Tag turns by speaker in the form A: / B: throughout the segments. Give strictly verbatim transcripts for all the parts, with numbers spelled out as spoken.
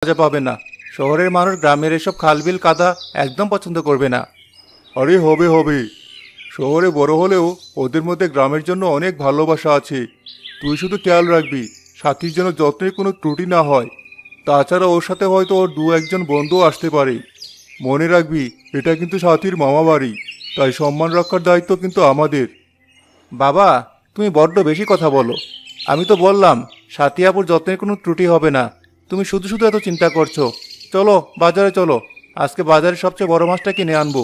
A: মজা পাবে না। শহরের মানুষ গ্রামের এসব খালবিল কাদা একদম পছন্দ করবে না। আরে হবে হবে, শহরে বড় হলেও ওদের মধ্যে গ্রামের জন্য অনেক ভালোবাসা আছে। তুই শুধু খেয়াল রাখবি সাথীর যেন যত্নের কোনো ত্রুটি না হয়। তাছাড়া ওর সাথে হয়তো ওর দু একজন বন্ধুও আসতে পারে। মনে রাখবি এটা কিন্তু সাথীর মামা বাড়ি, তাই সম্মান রক্ষার দায়িত্ব কিন্তু আমাদের। বাবা, তুমি বড্ড বেশি কথা বলো। আমি তো বললাম সাথী আপুর যত্নের কোনো ত্রুটি হবে না। তুমি শুধু শুধু এত চিন্তা করছো। চলো বাজারে চলো, আজকে বাজারে সবচেয়ে বড় মাছটা কিনে আনবো।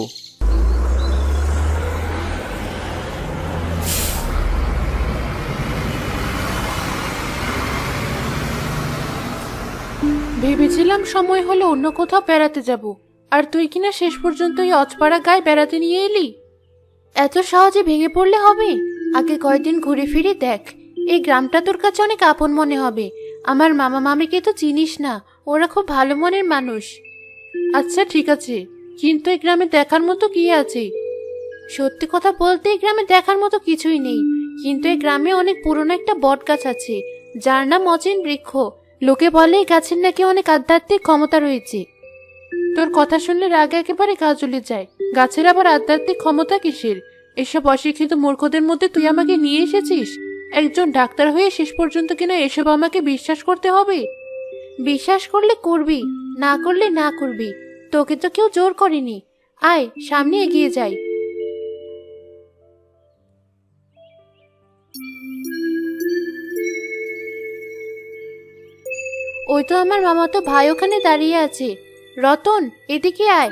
B: ভেবেছিলাম সময় হলে অন্য কোথাও বেড়াতে যাব, আর তুই কিনা শেষ পর্যন্ত এই অজপাড়া গায়ে বেড়াতে নিয়ে এলি। এত সহজে ভেঙে পড়লে হবে? আগে কয়েকদিন ঘুরে ফিরে দেখ, এই গ্রামটা তোর কাছে অনেক আপন মনে হবে। আমার মামা মামিকে তো চিনিস না, ওরা খুব ভালো মনের মানুষ। আচ্ছা ঠিক আছে, কিন্তু এই গ্রামে দেখার মতো কি আছে? সত্যি কথা বলতে এই গ্রামে দেখার মতো কিছুই নেই, কিন্তু এই গ্রামে অনেক পুরনো একটা বট গাছ আছে, যার নাম অচিন বৃক্ষ। লোকে বলে এই গাছের নাকি অনেক আধ্যাত্মিক ক্ষমতা রয়েছে। তোর কথা শুনলে রাগ একেবারে গা জ্বলে যায়। গাছের আবার আধ্যাত্মিক ক্ষমতা কিসের? এসব অশিক্ষিত মূর্খদের মধ্যে তুই আমাকে নিয়ে এসেছিস। একজন ডাক্তার হয়ে শেষ পর্যন্ত কিনা এসব আমাকে বিশ্বাস করতে হবে? বিশ্বাস করলে করবি, না করলে না করবি। তোকে তো কেউ জোর করেনি। আয় সামনে এগিয়ে যাই। ওই তো আমার মামাতো ভাই ওখানে দাঁড়িয়ে আছে। রতন, এদিকে আয়।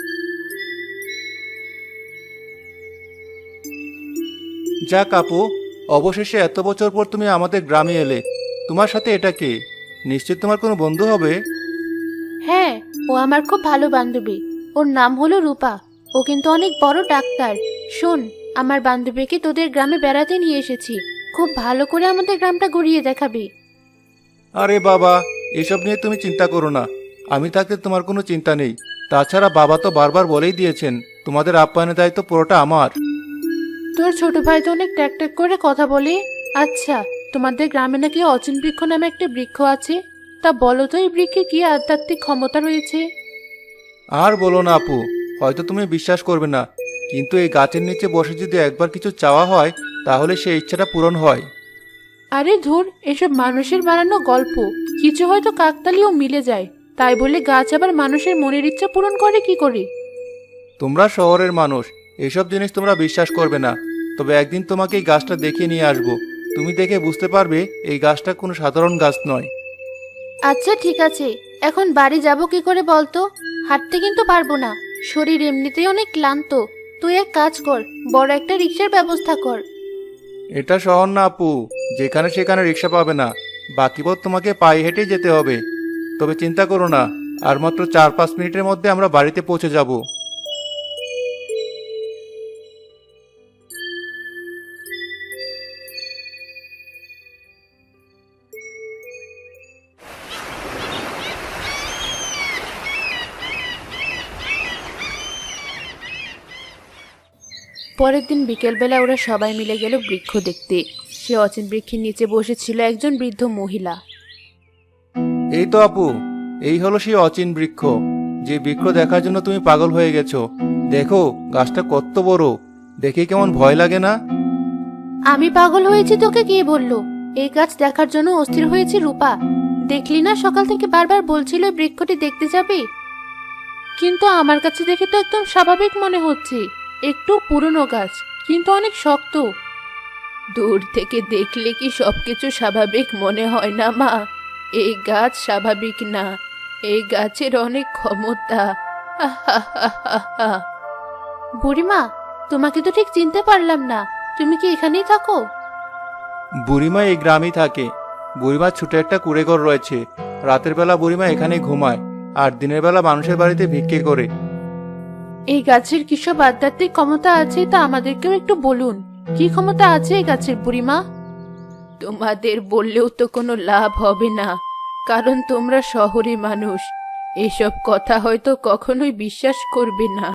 A: যাক আপু, অবশেষে এত বছর পর তুমি আমাদের গ্রামে এলে। তোমার সাথে এটা কে? নিশ্চয় তোমার কোনো বন্ধু হবে।
B: হ্যাঁ, ও আমার খুব ভালো বান্ধবী। ওর নাম হলো রূপা। ও কিন্তু অনেক বড় ডাক্তার। শোন, আমার বান্ধবীকে তোদের গ্রামে বেড়াতে নিয়ে এসেছি। খুব ভালো করে আমাদের গ্রামটা ঘুরিয়ে দেখাবি।
A: আরে বাবা, এসব নিয়ে তুমি চিন্তা করো না। আমি থাকতে তোমার কোনো চিন্তা নেই। তাছাড়া বাবা তো বারবার বলেই দিয়েছেন তোমাদের আপ্যায়নের দায়িত্ব পুরোটা আমার।
B: তোর ছোট ভাই তো অনেক ট্যাক ট্যাক করে কথা বলে। আচ্ছা, তোমাদের গ্রামে নাকি অচিন বৃক্ষ নামে একটা বৃক্ষ আছে। তা বলো তো এই বৃক্ষে কি আধ্যাত্মিক ক্ষমতা রয়েছে?
A: আর বলো না আপু, হয়তো তুমি বিশ্বাস করবে না, কিন্তু এই গাছের নিচে বসে যদি একবার কিছু চাওয়া হয় তাহলে সেই ইচ্ছাটা পূরণ হয়।
B: আরে ধুর, এসব মানুষের বানানো গল্প। কিছু হয়তো কাকতালীয় মিলে যায়, তাই বলে গাছ আবার মানুষের মনের ইচ্ছা পূরণ করে কি করে?
A: তোমরা শহরের মানুষ, এসব জিনিস তোমরা বিশ্বাস করবে না। তবে একদিন তোমাকে এই গাছটা দেখিয়ে নিয়ে আসবো। তুমি দেখে বুঝতে পারবে এই গাছটা কোনো সাধারণ গাছ নয়।
B: আচ্ছা ঠিক আছে, এখন বাড়ি যাব কি করে বলতো? হাঁটতে কিন্তু পারবো না, শরীর এমনিতেই অনেক ক্লান্ত। তুই এক কাজ কর, বড় একটা রিক্সার ব্যবস্থা কর।
A: এটা শহর না আপু, যেখানে সেখানে রিক্সা পাবে না। বাকি পথ তোমাকে পায়ে হেঁটেই যেতে হবে। তবে চিন্তা করো না, আর মাত্র চার পাঁচ মিনিটের মধ্যে আমরা বাড়িতে পৌঁছে যাব।
B: পরের দিন বিকেলবেলা ওরা সবাই মিলে গেল বৃক্ষ দেখতে। সে অচিন বৃক্ষের নিচে বসেছিল একজন বৃদ্ধ মহিলা।
A: এই তো আপু, এই হলো সেই অচিন বৃক্ষ, যে বৃক্ষ দেখার জন্য তুমি পাগল হয়ে গেছো। দেখো গাছটা কত বড়, দেখে কেমন ভয় লাগে না?
B: আমি পাগল হয়েছি তোকে কে বললো? এই গাছ দেখার জন্য অস্থির হয়েছে রূপা। দেখলি না, সকাল থেকে বারবার বলছিল এই বৃক্ষটি দেখতে যাবে। কিন্তু আমার কাছে দেখে তো একদম স্বাভাবিক মনে হচ্ছে। একটু পুরনো গাছ, কিন্তু অনেক শক্ত। দূর থেকে দেখলে কি সবকিছু স্বাভাবিক মনে হয় না মা? এই গাছ স্বাভাবিক না, এই গাছের অনেক ক্ষমতা। আহাহাহাহা। বুড়িমা, তোমাকে তো ঠিক চিনতে পারলাম না। তুমি কি এখানেই থাকো?
A: বুড়িমা এই গ্রামেই থাকে। বুড়িমার ছোট একটা কুঁড়েঘর রয়েছে। রাতের বেলা বুড়িমা এখানেই ঘুমায়, আর দিনের বেলা মানুষের বাড়িতে ভিক্ষে করে।
B: এই গাছের কি সব আধ্যাত্মিক ক্ষমতা আছে তা আমাদেরকেও একটু বলুন। কি ক্ষমতা আছে এই গাছের বুড়িমা? তোমাদের বললেও তো কোনো লাভ হবে না, কারণ তোমরা শহরে মানুষ। এসব কথা হয়তো কখনোই বিশ্বাস করবে না।